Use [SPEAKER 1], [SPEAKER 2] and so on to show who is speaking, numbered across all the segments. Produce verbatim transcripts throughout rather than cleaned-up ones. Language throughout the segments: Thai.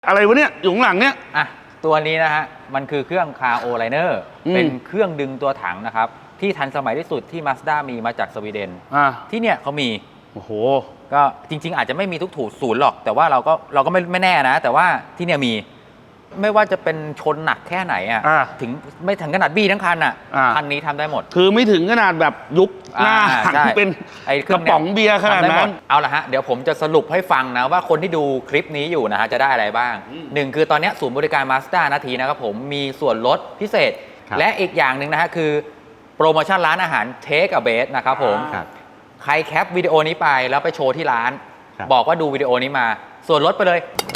[SPEAKER 1] อะไรวะเนี่ยอยู่ข้างหลังเนี่ย
[SPEAKER 2] อ่ะตัวนี้นะฮะมันคือเครื่องคาร์โอไลเนอร์เป็นเครื่องดึงตัวถังนะครับที่ทันสมัยที่สุดที่ Mazda มีมาจากสวีเดน
[SPEAKER 1] อ่า
[SPEAKER 2] ที่เนี่ยเขามี
[SPEAKER 1] โอ้โห
[SPEAKER 2] ก็จริงๆอาจจะไม่มีทุกถูศูนย์หรอกแต่ว่าเราก็เราก็ไม่ไม่แน่นะแต่ว่าที่เนี่ยมีไม่ว่าจะเป็นชนหนักแค่ไหนอ่ะถึงไม่ถึงขนาดบี้ทั้งคันอ่ะคันนี้ทำได้หมด
[SPEAKER 1] คือไม่ถึงขนาดแบบยุบหน้าหันเป็นกระป๋องเบียร์ขนาดนั้น
[SPEAKER 2] เอาละฮะเดี๋ยวผมจะสรุปให้ฟังนะว่าคนที่ดูคลิปนี้อยู่นะฮะจะได้อะไรบ้างหนึ่งคือตอนนี้ศูนย์บริการ Mazda นาทีนะครับผมมีส่วนลดพิเศษและอีกอย่างหนึ่งนะฮะคือโปรโมชั่นร้านอาหาร Take a Bait นะครับผมใครแคปวิดีโอนี้ไปแล้วไปโชว์ที่ร้านบอกว่าดูวิดีโอนี้มาส่วนลดไปเลย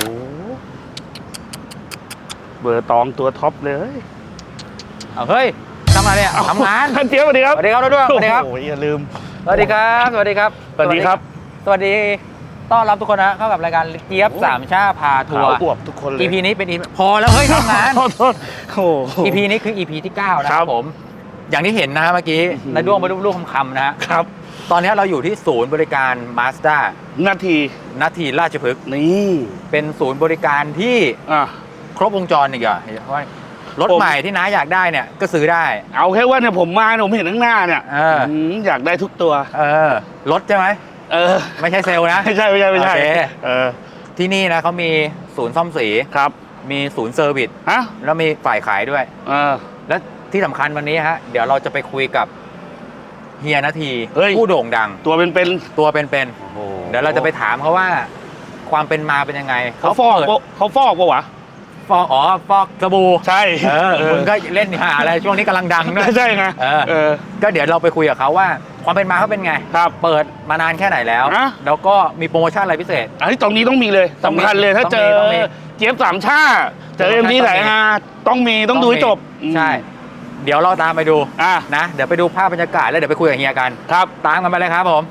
[SPEAKER 1] เบอร์ตองตัวท็อปเลย
[SPEAKER 2] เอาเฮ้ยทำอะไรเนี่ยทำงาน
[SPEAKER 1] ท่านเจี๊ยบสวัสดีครับ
[SPEAKER 2] สวัสดีครับด้วยสวัสดีครับ
[SPEAKER 1] โอ้ยอย่าลืม
[SPEAKER 2] สวัสดีครับสวัสดีครับ
[SPEAKER 1] สวัสดีครับ
[SPEAKER 2] สวัสดีต้อนรับทุกคนนะเข้ากับรายการเจี๊ยบสามชาพาทัวร์
[SPEAKER 1] อวบทุกคนเลย
[SPEAKER 2] อี พี นี้เป็น พอแล้วเฮ้ยทำงาน
[SPEAKER 1] โทษโอ้
[SPEAKER 2] อี พี นี้คือ อี พี ที่เก้านะครับผมอย่างที่เห็นนะฮะเมื่อกี้นายด้วงมาลูกๆคำๆนะฮะ
[SPEAKER 1] ครับ
[SPEAKER 2] ตอนนี้เราอยู่ที่ศูนย์บริการ Mazda
[SPEAKER 1] นาที
[SPEAKER 2] นาทีราชพฤกษ์
[SPEAKER 1] นี่
[SPEAKER 2] เป็นศูนย์บริการที่ครบวงจรอีกอ่ะเพราะรถใหม่ที่น้าอยากได้เนี่ยก็ซื้อได้
[SPEAKER 1] เอาแค่ว่าเนี่ยผมมาผมเห็นข้างหน้าเนี่ยอยากได้ทุกตัว
[SPEAKER 2] เออรถใช่ไหม
[SPEAKER 1] เออ
[SPEAKER 2] ไม่ใช่เซลล์นะ
[SPEAKER 1] ไม่ใช่ไม่ใช่ไม่ใช่เออ
[SPEAKER 2] ที่นี่นะเขามีศูนย์ซ่อมสี
[SPEAKER 1] ครับ
[SPEAKER 2] มีศูนย์เซอร์วิส
[SPEAKER 1] ฮะ
[SPEAKER 2] แล้วมีฝ่ายขายด้วย
[SPEAKER 1] เออ
[SPEAKER 2] แล้วที่สำคัญวันนี้ฮะเดี๋ยวเราจะไปคุยกับเฮียนาทีผู้โด่งดัง
[SPEAKER 1] ตัวเป็นเป็น
[SPEAKER 2] ตัวเป็นเป็นเดี๋ยวเราจะไปถามเขาว่าความเป็นมาเป็นยังไง
[SPEAKER 1] เขาฟอกเขาฟอกปะวะ
[SPEAKER 2] ฟอกอ๋อฟอกสบู่
[SPEAKER 1] ใช่
[SPEAKER 2] เออมึงก็เล่นหาอะไรช่วงนี้กำลังดังด้วย
[SPEAKER 1] ใช่ไง
[SPEAKER 2] เออก็เดี๋ยวเราไปคุยกับเขาว่าความเป็นมาเขาเป็นไง
[SPEAKER 1] ครับ
[SPEAKER 2] เปิดมานานแค่ไหนแล้วแล้วก็มีโปรโมชั่นอะไรพิเศษ
[SPEAKER 1] อันนี้ตรงนี้ต้องมีเลยสำคัญเลยถ้าเจอเจี๊ยบสามชาเจอเอ็มดีไหนมาต้องมีต้องดูให้จบ
[SPEAKER 2] ใช่เดี๋ยวเราตามไปดูนะเดี๋ยวไปดูภาพบรรยากาศแล้วเดี๋ยวไปคุยกับเฮียกัน
[SPEAKER 1] ครับ
[SPEAKER 2] ตามกันไปเลยครับผม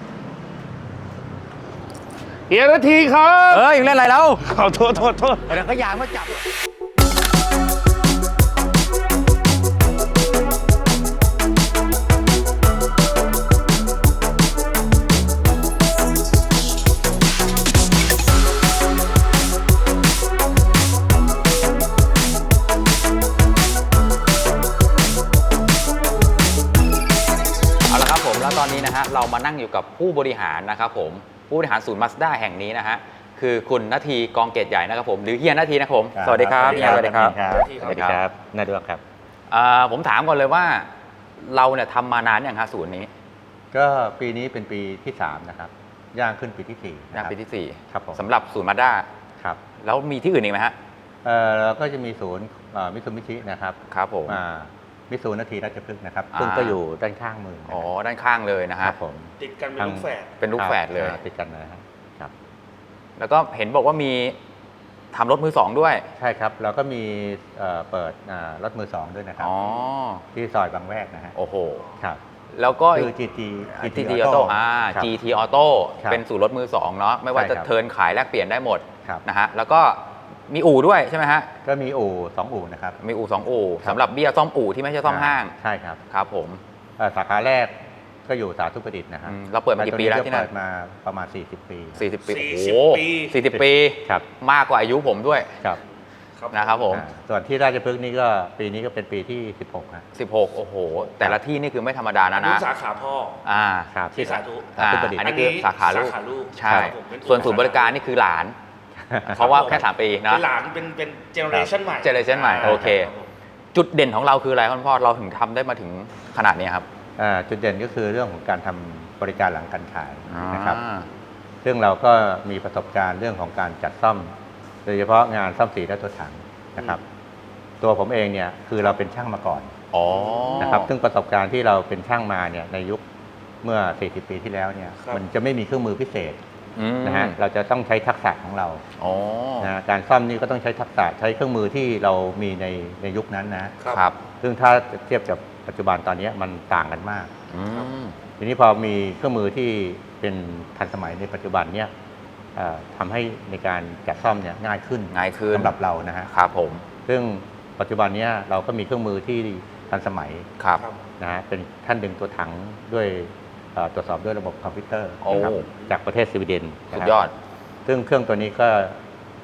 [SPEAKER 1] เฮียนาทีครับ
[SPEAKER 2] เอ้ยเล่นอะไรแล้ว
[SPEAKER 1] ขอโทษโทษโทษ
[SPEAKER 2] เดี๋ยวก็ยางมาจับแล้วตอนนี้นะฮะเรามานั่งอยู่กับผู้บริหารนะครับผมผู้บริหารศูนย์ Mazda แห่งนี้นะฮะคือคุณนาทีกองเกตใหญ่นะครับผมหรือเฮียนาทีนะครับผมสวัสดีครับเฮียสวัสดีครับ
[SPEAKER 3] สวัสดีครับนาดวงครับ
[SPEAKER 2] ผมถามก่อนเลยว่าเราเนี่ยทำมานานอย่างฮะศูนย์นี้
[SPEAKER 3] ก็ปีนี้เป็นปีที่สามนะครับย่างขึ้นปีที่สี่
[SPEAKER 2] ย่างปีที่สี่
[SPEAKER 3] ครับผม
[SPEAKER 2] สำหรับศูนย์ Mazda
[SPEAKER 3] ครับ
[SPEAKER 2] แล้วมีที่อื่นอีกไหมฮะ
[SPEAKER 3] เออเราก็จะมีศูนย์มิตซูบิชินะครับ
[SPEAKER 2] ครับผม
[SPEAKER 3] มิตซูนาทีราชพฤกษ์นะครับซึ่งก็อยู่ด้านข้างมือ
[SPEAKER 2] อ๋อด้านข้างเลยนะฮะ
[SPEAKER 1] ผมติดกันเป็นลูกแฝด
[SPEAKER 2] เป็นลูกแฝดเลย
[SPEAKER 3] ติดกันนะครับครับ
[SPEAKER 2] แล้วก็เห็นบอกว่ามีทำรถมือสองด้วย
[SPEAKER 3] ใช่ครับเราก็มีเปิดรถมือสองด้วยนะครับที่ซอยบางแวกนะฮะ
[SPEAKER 2] โอ้โห
[SPEAKER 3] ครับ
[SPEAKER 2] แล้วก็
[SPEAKER 3] คือ จี ที
[SPEAKER 2] จี ที Auto อ่า จี ที Auto เป็นศูนย์รถมือสองเนาะไม่ว่าจะเทิร์นขายแลกเปลี่ยนได้หมดนะฮะแล้วก็มีอู่ด้วยใช่ไหมฮะ
[SPEAKER 3] ก็มีอู่สองอู่นะครับ
[SPEAKER 2] มีอู่สองอู่สำหรับเบี้ยซ่อมอู่ที่ไม่ใช่ซ่อมห้าง
[SPEAKER 3] ใช่ครับ
[SPEAKER 2] ครับผม
[SPEAKER 3] สาขาแรกก็อยู่สาธุประดิษฐ์นะครับ
[SPEAKER 2] เราเปิดมากี่ปีแล้วที่นั่น
[SPEAKER 3] เปิดมาประมาณสี่สิบปี
[SPEAKER 2] สี่สิบปีโอ้โหสี่สิบปี
[SPEAKER 3] ครับ
[SPEAKER 2] มากกว่าอายุผมด้วย
[SPEAKER 3] ครับ
[SPEAKER 2] นะครับผม
[SPEAKER 3] ส่วนที่ราชพฤกษ์นี่ก็ปีนี้ก็เป็นปีที่สิบหกครับ
[SPEAKER 2] สิบหกโอ้โหแต่ละที่นี่คือไม่ธรรมดานะนะ
[SPEAKER 1] สาขาพ่อ
[SPEAKER 2] อ่า
[SPEAKER 3] ครับ
[SPEAKER 1] ที่สาธุ
[SPEAKER 2] อันนี้คือสาขาลูกใช่ส่วนศูนย์บริการนี่คือหลานเพราะว่าแค่สามปีนะ
[SPEAKER 1] เป็นหลานเป็นเป็นเจเนอเรชันใหม่
[SPEAKER 2] เจเนอเรชันใหม่โอเคจุดเด่นของเราคืออะไรคุณพ่อเราถึงทำได้มาถึงขนาดนี้ครับ
[SPEAKER 3] จุดเด่นก็คือเรื่องของการทำบริการหลังการขายนะครับซึ่งเราก็มีประสบการณ์เรื่องของการจัดซ่อมโดยเฉพาะงานซ่อมสีและตัวถังนะครับตัวผมเองเนี่ยคือเราเป็นช่างมาก่อนนะครับซึ่งประสบการณ์ที่เราเป็นช่างมาเนี่ยในยุคเมื่อสี่สิบปีที่แล้วเนี่ยมันจะไม่มีเครื่องมือพิเศษนะฮะเราจะต้องใช้ทักษะของเรานะการซ่อมนี่ก็ต้องใช้ทักษะใช้เครื่องมือที่เรามีในในยุคนั้นนะครับซึ่งถ้าเทียบกับปัจจุบันตอนนี้มันต่างกันมากทีนี้พอมีเครื่องมือที่เป็นทันสมัยในปัจจุบันเนี่ยทำให้ในการจัดซ่อมเนี่ยง่ายขึ้น
[SPEAKER 2] ง่ายขึ้น
[SPEAKER 3] สำหรับเรานะฮะ
[SPEAKER 2] ครับผม
[SPEAKER 3] ซึ่งปัจจุบันนี้เราก็มีเครื่องมือที่ทันสมัย
[SPEAKER 2] ครับ
[SPEAKER 3] นะฮะเป็นท่านดึงตัวถังด้วยตรวจสอบด้วยระบบคอมพิวเตอร์นะครับจากประเทศสวีเดน
[SPEAKER 2] สุดยอด
[SPEAKER 3] ซึ่งเครื่องตัวนี้ก็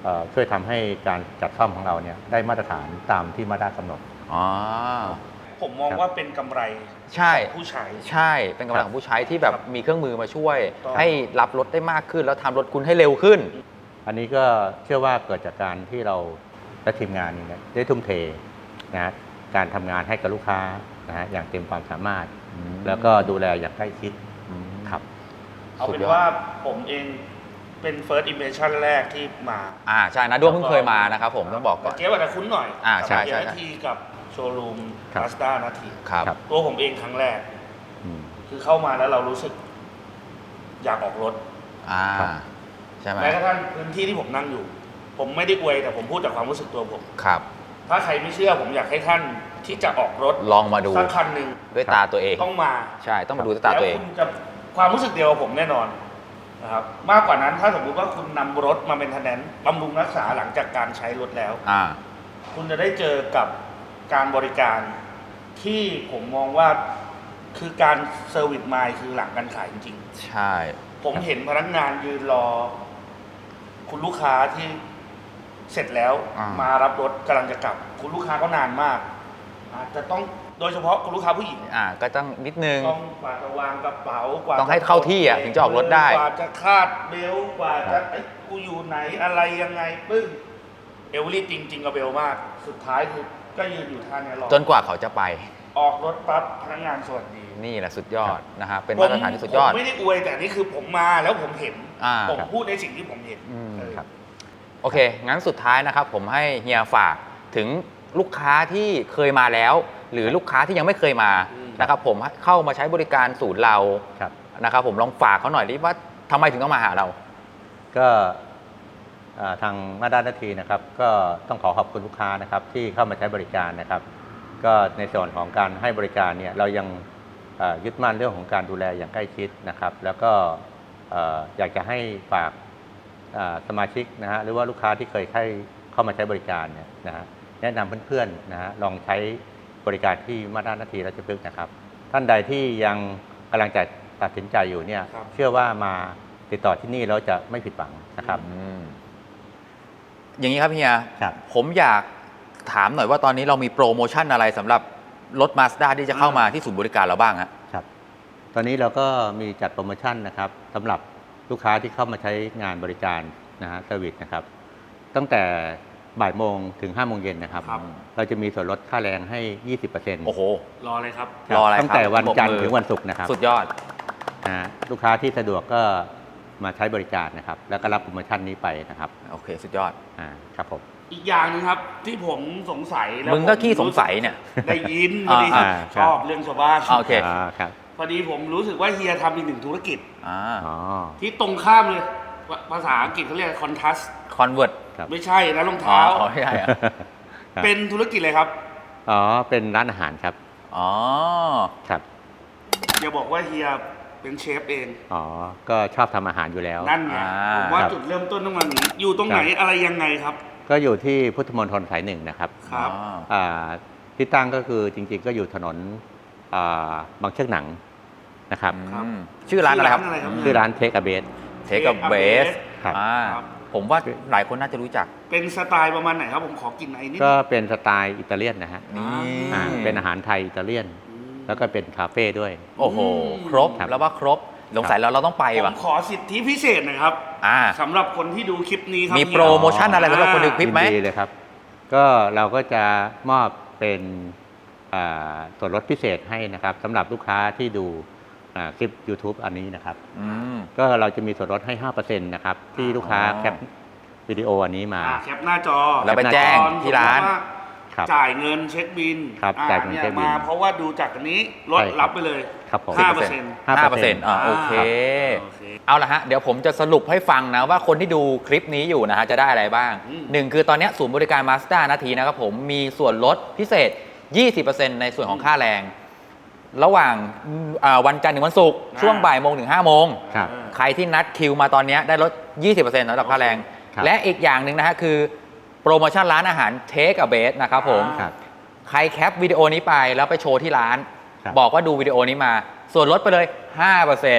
[SPEAKER 3] เอ่อช่วยทำให้การจัดซ่อมของเราเนี่ยได้มาตรฐานตามที่มาตรฐานกำหนด
[SPEAKER 2] อ๋อ
[SPEAKER 1] ผมมองว่าเป็นกำไร
[SPEAKER 2] ใช่
[SPEAKER 1] ของผู้ใช้
[SPEAKER 2] ใช่เป็นกำลังของผู้ใช้ที่แบบ
[SPEAKER 1] ครับ
[SPEAKER 2] มีเครื่องมือมาช่วย
[SPEAKER 1] ถูกต้อง
[SPEAKER 2] ให้รับรถได้มากขึ้น แล้วทำรถคุณให้เร็วขึ้น
[SPEAKER 3] อันนี้ก็เชื่อว่าเกิดจากการที่เราและทีมงานนี่นะได้ทุ่มเทนะฮะการทำงานให้กับลูกค้านะฮะอย่างเต็มความสามารถ
[SPEAKER 2] อืม
[SPEAKER 3] แล้วก็ดูแลอย่างใกล้ชิดครับ
[SPEAKER 1] เอา
[SPEAKER 2] สุ
[SPEAKER 1] เป็
[SPEAKER 2] ด
[SPEAKER 1] น
[SPEAKER 2] ยอด
[SPEAKER 1] ว่าผมเองเป็น first impression แรกที่มา
[SPEAKER 2] อ่าใช่นะด้วงเพิ่งเคยมานะครับผมต้องบอกก่อน
[SPEAKER 1] เจ๊ว่าจะคุ้นหน่อย
[SPEAKER 2] อ่าใช่
[SPEAKER 1] กับ
[SPEAKER 2] ใช่
[SPEAKER 1] เฮียนาทีกับโชว์รูม
[SPEAKER 3] ครับ
[SPEAKER 1] มาสด้านาที
[SPEAKER 2] ครับ
[SPEAKER 3] ครับ
[SPEAKER 1] ตัวผมเองครั้งแรก
[SPEAKER 3] อืม
[SPEAKER 1] คือเข้ามาแล้วเรารู้สึก อยากออกรถ
[SPEAKER 2] อ่า
[SPEAKER 3] ครับ
[SPEAKER 2] ใช่ไหม
[SPEAKER 1] แม้กระทั่งพื้นที่ที่ผมนั่งอยู่ ผมไม่ได้อวยแต่ผมพูดจากความรู้สึกตัวผม
[SPEAKER 2] ครับ
[SPEAKER 1] ถ้าใครไม่เชื่อผมอยากให้ท่านที่จะออกรถ
[SPEAKER 2] ลองมาดู
[SPEAKER 1] สักคันหนึ่ง
[SPEAKER 2] ด้วยตาตัวเอง
[SPEAKER 1] ต้องมา
[SPEAKER 2] ใช่ต้องมาดูด้วยตาตัวเอง
[SPEAKER 1] แล้วคุณจะความรู้สึกเดียวกับผมแน่นอนนะครับมากกว่านั้นถ้าสมมุติว่าคุณนำรถมาเป็นทนแนนบำรุงรักษาหลังจากการใช้รถแล้ว
[SPEAKER 2] อ่า
[SPEAKER 1] คุณจะได้เจอกับการบริการที่ผมมองว่าคือการเซอร์วิสไมล์คือหลังการขายจริง
[SPEAKER 2] ใช่
[SPEAKER 1] ๆ ผมเห็นพนักงานยืนรอ คุณลูกค้าที่เสร็จแล้ว
[SPEAKER 2] อ่าม
[SPEAKER 1] มารับรถกำลังจะกลับ คุณลูกค้าก็นานมากอาจจะต้องโดยเฉพาะคุณลูกค้าผู้หญิง
[SPEAKER 2] อ่าก็ต้องนิดนึง
[SPEAKER 1] ต้องกว่าจะวางกระเป๋ากว่า
[SPEAKER 2] ต้องให้เข้าที่อ่ะถึงจะออกรถได้
[SPEAKER 1] กว่าจะคาดเบลต์กว่าจะเอ้ยกูอยู่ไหนอะไรยังไงปึ้งเอลลี่จริงจริงกับเบลมาก สุดท้ายคือก็ยืนอยู่ท่าเนี้ยรอ
[SPEAKER 2] จนกว่าเขาจะไป
[SPEAKER 1] ออกรถปั๊บพนักงานสวัสดี
[SPEAKER 2] นี่แหละสุดยอดนะฮะเป็นมาตรฐานที่สุดยอด
[SPEAKER 1] ผมไม่ได้อวยแต่นี่คือผมมาแล้วผมเห็น
[SPEAKER 2] อ่า
[SPEAKER 1] ผมพูดในสิ่งที่ผมเห็น
[SPEAKER 2] อืม
[SPEAKER 1] เออ
[SPEAKER 3] ครับ
[SPEAKER 2] โอเค งั้นสุดท้ายนะครับผมให้เฮียฝากถึงลูกค้าที่เคยมาแล้ว หรือลูกค้าที่ยังไม่เคยมา
[SPEAKER 1] อืม
[SPEAKER 2] นะครับผมเข้ามาใช้บริการศูนย์เรา
[SPEAKER 3] ครับ
[SPEAKER 2] นะครับผมลองฝากเขาหน่อยดิว่าทำไมถึงต้องมาหาเรา
[SPEAKER 3] ก็อ่าทางมาด้านนาทีนะครับ ก็ต้องขอขอบคุณลูกค้านะครับที่เข้ามาใช้บริการนะครับ ก็ในส่วนของการให้บริการเนี่ยเรายังอ่ายึดมั่นเรื่องของการดูแลอย่างใกล้ชิดนะครับ แล้วก็เอ่ออยากจะให้ฝากอ่าสมาชิกนะฮะหรือว่าลูกค้าที่เคยเข้าเข้ามาใช้บริการเนี่ยนะฮะแนะนำเพื่อนๆนะฮะลองใช้บริการที่มาด้านนาทีราชพฤกษ์นะครับ ท่านใดที่ยังกำลังจะตัดสินใจอยู่เนี่ย
[SPEAKER 1] ครับ
[SPEAKER 3] เชื่อว่ามาติดต่อที่นี่แล้วจะไม่ผิดหวังนะครับ
[SPEAKER 2] อืมอย่างนี้ครับเฮีย
[SPEAKER 3] ครับ
[SPEAKER 2] ผมอยากถามหน่อยว่าตอนนี้เรามีโปรโมชั่นอะไรสำหรับรถ Mazda ที่จะเข้ามาที่ศูนย์บริการเราบ้างฮะ
[SPEAKER 3] ครับ ตอนนี้เราก็มีจัดโปรโมชั่นนะครับสำหรับลูกค้าที่เข้ามาใช้งานบริการนะฮะเซอร์วิสนะครับ ตั้งแต่บ่ายโมงถึงห้าโมงเย็นนะครับ
[SPEAKER 1] ครับ
[SPEAKER 3] เราจะมีส่วนลดค่าแรงให้ ยี่สิบเปอร์เซ็นต์
[SPEAKER 2] โอ้โห
[SPEAKER 1] รอเลยครับ
[SPEAKER 2] รออะไรครับ
[SPEAKER 3] ตั้งแต่วันจันท
[SPEAKER 2] ปร
[SPEAKER 3] ร์
[SPEAKER 2] บมือ
[SPEAKER 3] ถึงวันศุกร์นะครับ
[SPEAKER 2] สุดยอด
[SPEAKER 3] นะฮะลูกค้าที่สะดวกก็มาใช้บริการนะครับ แล้วก็รับโปรโมชั่นนี้ไปนะครับ
[SPEAKER 2] โอเค สุดยอด
[SPEAKER 3] อ่าครับผม
[SPEAKER 1] อีกอย่างหนึงครับ ที่ผมสงสัยแล้ว
[SPEAKER 2] มึงก็
[SPEAKER 1] ผ
[SPEAKER 2] ขี้สงสัยเนี่ย
[SPEAKER 1] ได้ยินพอดี
[SPEAKER 2] อ่า
[SPEAKER 1] ชอบเรื่องชาวบ้าน
[SPEAKER 2] อ่าโอเค
[SPEAKER 3] อ่าครับ
[SPEAKER 1] พอดีผมรู้สึกว่าเฮียทำอีกหนึ่งธุรกิจ
[SPEAKER 2] อ่า
[SPEAKER 3] อ๋อ
[SPEAKER 1] ที่ตรงข้ามเลยภาภาษาอังกฤษเขาเรียกคอนทัส
[SPEAKER 2] คอนเวิร์ต
[SPEAKER 3] ครับ
[SPEAKER 1] ไม่ใช่นะรอง
[SPEAKER 2] อ๋อ
[SPEAKER 1] เท้า
[SPEAKER 2] อ๋อไม่ใช่อะ
[SPEAKER 3] ครับ
[SPEAKER 1] เป็นธุรกิจเลยครับ
[SPEAKER 3] อ๋อเป็นร้านอาหารครับ
[SPEAKER 2] อ๋อ
[SPEAKER 3] ครับ
[SPEAKER 1] อย่าบอกว่าเฮียเป็นเชฟเอง
[SPEAKER 3] อ๋อก็ชอบทำอาหารอยู่แล้ว
[SPEAKER 1] นั่นไง
[SPEAKER 2] อ่า
[SPEAKER 1] ผมว่า
[SPEAKER 3] ครับ
[SPEAKER 1] จุดเริ่มต้นต้องมาอย่างนี้อยู่ตรงไหน
[SPEAKER 3] ครับ
[SPEAKER 1] อะไรยังไงครับ
[SPEAKER 3] ก็อยู่ที่พุทธมณฑลสายหนึ่งนะครับ
[SPEAKER 1] ครับ
[SPEAKER 2] อ๋อ
[SPEAKER 3] อ่าที่ตั้งก็คือจริงๆ ก็อยู่ถนนอ่าบางเชือกหนังนะครับ
[SPEAKER 1] ครับ
[SPEAKER 2] อืมชื่อร้านอะไรครับ
[SPEAKER 1] ชื่อร้านอะไรครับ
[SPEAKER 3] ชื่อร้านเทคอเบส
[SPEAKER 2] เทคกับเบส
[SPEAKER 3] ครับ
[SPEAKER 2] อ่า
[SPEAKER 1] ครับ
[SPEAKER 2] ผมว่าหลายคนน่าจะรู้จัก
[SPEAKER 1] เป็นสไตล์ประมาณไหนครับ ผมขอกินไอ้นิด
[SPEAKER 3] ก็เป็นสไตล์อิตาเลียนนะฮะ
[SPEAKER 2] นี่
[SPEAKER 3] อ่าเป็นอาหารไทยอิตาเลียน
[SPEAKER 1] อืม
[SPEAKER 3] แล้วก็เป็นคาเฟ่ด้วย
[SPEAKER 2] โอ้โห
[SPEAKER 1] อืม
[SPEAKER 2] ครบ
[SPEAKER 3] ครับ
[SPEAKER 2] แล้วว่าครบสงสัยแล้วเราต้องไป
[SPEAKER 1] ผ
[SPEAKER 2] ว่ะ
[SPEAKER 1] มขอสิทธิพิเศษหน่อยครับ
[SPEAKER 2] อ่า
[SPEAKER 1] สำหรับคนที่ดูคลิปนี้ครับ
[SPEAKER 2] มี
[SPEAKER 1] เฮีย
[SPEAKER 2] โปรโมชั่นอะไรสำหรับคนดูคลิปไหม
[SPEAKER 3] ยินดีเลยครับ ก็เราก็จะมอบเป็นอ่าส่วนลดพิเศษให้นะครับสำหรับลูกค้าที่ดูอ่าคลิป YouTube อันนี้นะครับ
[SPEAKER 2] อืม
[SPEAKER 3] ก็เราจะมีส่วนลดให้ ห้าเปอร์เซ็นต์ นะครับ ที่ลูกค้า
[SPEAKER 2] อ๋อ
[SPEAKER 3] แคปวิดีโออันนี้มา
[SPEAKER 1] อ่าแคปหน้าจอ
[SPEAKER 2] แล้วไปแจ้งที่ร้าน
[SPEAKER 1] ตอสมมุติว่า
[SPEAKER 3] ครับ
[SPEAKER 1] จ่ายเงินเช็คบิน
[SPEAKER 3] ครับ
[SPEAKER 1] อ่
[SPEAKER 3] จ่ายเงิน
[SPEAKER 1] นี่
[SPEAKER 3] เช็คบิล
[SPEAKER 1] มาเพราะว่าดูจากอันนี้ลด
[SPEAKER 3] ใช่ครับ
[SPEAKER 1] รับไปเลย
[SPEAKER 3] ครับผม
[SPEAKER 1] ห้าเปอร์เซ็นต์
[SPEAKER 2] ห้าเปอร์เซ็นต์อ่าโอเค
[SPEAKER 1] โอเค
[SPEAKER 2] เอาละฮะ เดี๋ยวผมจะสรุปให้ฟังนะว่าคนที่ดูคลิปนี้อยู่นะฮะจะได้อะไรบ้าง
[SPEAKER 1] อืม
[SPEAKER 2] หนึ่งคือตอนนี้ศูนย์บริการ Mazda นาทีนะครับผมมีส่วนลดพิเศษ ยี่สิบเปอร์เซ็นต์ ในส่วนของค่าแรง ระหว่างอ่าวันจันทร์ถึงวันศุกร์ช่วงบ่ายโมงถึงห้าโมง
[SPEAKER 3] ครับ
[SPEAKER 2] ใครที่นัดคิวมาตอนนี้ได้ลด ยี่สิบเปอร์เซ็นต์ สำหรับค่าแรง
[SPEAKER 3] ครับ
[SPEAKER 2] และอีกอย่างหนึ่งนะฮะคือโปรโมชั่นร้านอาหาร Take a Base นะครับผม
[SPEAKER 3] ครับ
[SPEAKER 2] ใครแคปวิดีโอนี้ไปแล้วไปโชว์ที่ร้าน
[SPEAKER 3] ครับ
[SPEAKER 2] บอกว่าดูวิดีโอนี้มา ส่วนลดไปเลย ห้าเปอร์เซ็นต์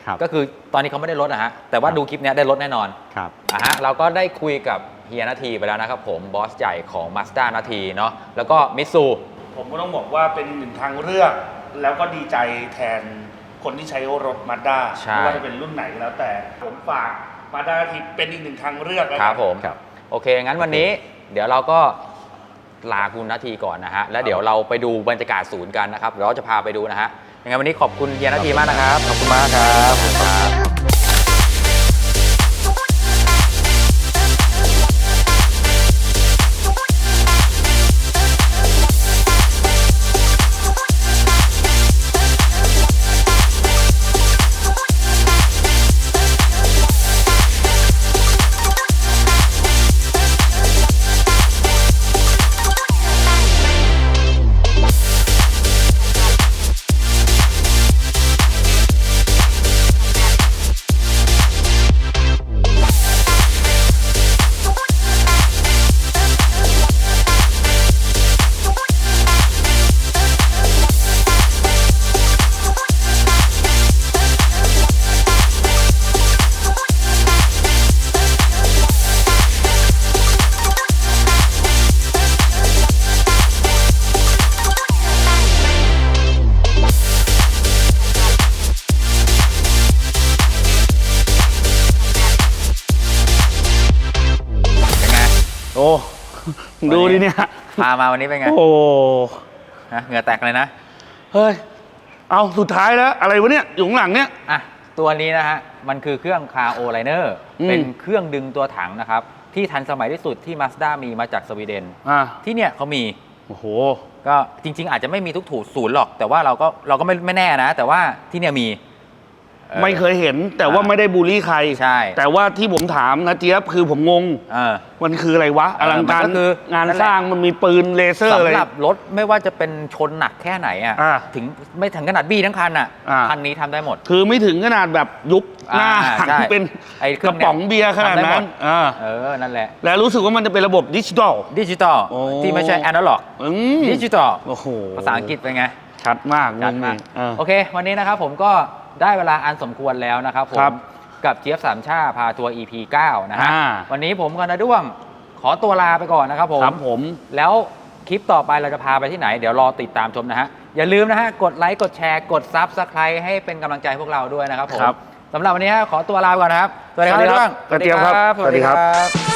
[SPEAKER 3] ครับ
[SPEAKER 2] ก็คือตอนนี้เขาไม่ได้ลดนะฮะแต่ว่าดูคลิปเนี้ยได้ลดแน่นอน
[SPEAKER 3] ครับ
[SPEAKER 2] อ่ะฮะเราก็ได้คุยกับเฮียนาทีไปแล้วนะครับผมบอสใหญ่ของ Mazda นาทีเนาะแล้วก็มิตซู
[SPEAKER 1] ผมก็ต้องบอกว่าเป็นหนึ่งทางเลือก แล้วก็ดีใจแทนคนที่ใช้รถมาด้า
[SPEAKER 2] ใช่
[SPEAKER 1] ไม่ว่าจะเป็นรุ่นไหนก็แล้วแต่ผมฝากมาด้าทีเป็นอีกหนึ่งทางเลือกแล้ว
[SPEAKER 2] ค
[SPEAKER 1] กัน
[SPEAKER 2] รับผม
[SPEAKER 3] ครับ
[SPEAKER 2] โอเค งั้นวันนี้เดี๋ยวเราก็ลาคุณนาทีก่อนนะฮะแล้วเดี๋ยวเราไปดูบรรยากาศศูนย์กันนะครับเดี๋ยวเราจะพาไปดูนะฮะยังไงวันนี้ขอบคุณเฮียนาทีมากนะครับขอบคุณมากครับขอบคุณครับเป็นไง
[SPEAKER 4] โอ้ดูดิเนี่ย
[SPEAKER 2] พามาวันนี้เป็นไง
[SPEAKER 4] โอ้
[SPEAKER 2] ฮะเหงื่อแตกเลยนะ
[SPEAKER 4] เฮ้ย เอาสุดท้ายแล้ว อะไรวะเนี่ย อยู่ข้างหลังเนี่ย
[SPEAKER 2] อ่ะตัวนี้นะฮะมันคือเครื่องคาโอไลเนอร์
[SPEAKER 4] อืม
[SPEAKER 2] เป็นเครื่องดึงตัวถังนะครับที่ทันสมัยที่สุดที่ Mazda มีมาจากสวีเดน
[SPEAKER 4] อ่า
[SPEAKER 2] ที่เนี่ยเขามี
[SPEAKER 4] โอ้โห
[SPEAKER 2] ก็จริง ๆ อาจจะไม่มีทุกถูศูนย์หรอก แต่ว่าเราก็เราก็ไม่ไม่แน่นะ แต่ว่าที่เนี่ยมีออ
[SPEAKER 4] ไม่เคยเห็น แต่ว่าไม่ได้บูลลี่ใคร
[SPEAKER 2] ใช่
[SPEAKER 4] แต่ว่าที่ผมถามนะเจี๊ยบคือผมงง
[SPEAKER 2] เออ
[SPEAKER 4] มันคืออะไรวะ อลังการ
[SPEAKER 2] มันก็คือง
[SPEAKER 4] าน
[SPEAKER 2] นั่นแหละ
[SPEAKER 4] สร้างมันมีปืนเลเซอร์อะไร
[SPEAKER 2] สำหรับรถไม่ว่าจะเป็นชนหนักแค่ไหนอ่ะ
[SPEAKER 4] อ่า
[SPEAKER 2] ถึงไม่ถึงขนาดบี้ทั้งคันอ่ะ
[SPEAKER 4] อ่า
[SPEAKER 2] คันนี้ทำได้หมด
[SPEAKER 4] คือไม่ถึงขนาดแบบยุบหน้า
[SPEAKER 2] อ่า
[SPEAKER 4] หัน
[SPEAKER 2] ใช่
[SPEAKER 4] เป็น
[SPEAKER 2] ไอ้เค
[SPEAKER 4] ก
[SPEAKER 2] รื่
[SPEAKER 4] ระ
[SPEAKER 2] องเนี่ย
[SPEAKER 4] ป๋องเบียร์ขนาด
[SPEAKER 2] ทำได้หม
[SPEAKER 4] นั้
[SPEAKER 2] ด
[SPEAKER 4] นอ่า
[SPEAKER 2] เออ นั่นแหละ
[SPEAKER 4] แล้วรู้สึกว่ามันจะเป็นระบบดิจิตอล
[SPEAKER 2] ดิจิตอล
[SPEAKER 4] โอ้
[SPEAKER 2] ที่ไม่ใช่แอนะล็อก
[SPEAKER 4] อืม
[SPEAKER 2] ดิจิตอล
[SPEAKER 4] โอ้โห
[SPEAKER 2] ภาษาอังกฤษเป็นไง
[SPEAKER 4] ชัดมาก
[SPEAKER 2] จัดมาก
[SPEAKER 4] เออ
[SPEAKER 2] โอเค วันนี้นะครับผมก็ได้เวลาอันสมควรแล้วนะครับผม
[SPEAKER 4] ครับ
[SPEAKER 2] กับเจี๊ยบสามชาพาทัวร์ อี พี เก้า นะฮะ
[SPEAKER 4] อ่า
[SPEAKER 2] วันนี้ผมกับนาด้วงขอตัวลาไปก่อนนะครับผม
[SPEAKER 4] ครับผม
[SPEAKER 2] แล้วคลิปต่อไปเราจะพาไปที่ไหน เดี๋ยวรอติดตามชมนะฮะ อย่าลืมนะฮะ กดไลค์ กดแชร์ กด Subscribe ให้เป็นกำลังใจพวกเราด้วยนะครับผม
[SPEAKER 4] ครับ
[SPEAKER 2] สำหรับวันนี้ฮะขอตัวลาไปก่อนนะครับ สวัสดีครับ
[SPEAKER 4] สวัสดีครับ
[SPEAKER 2] นาด้วง
[SPEAKER 4] กระเจี๊ยบครับ
[SPEAKER 2] สวัสดีค
[SPEAKER 4] สวัสดีครั
[SPEAKER 2] รับ บ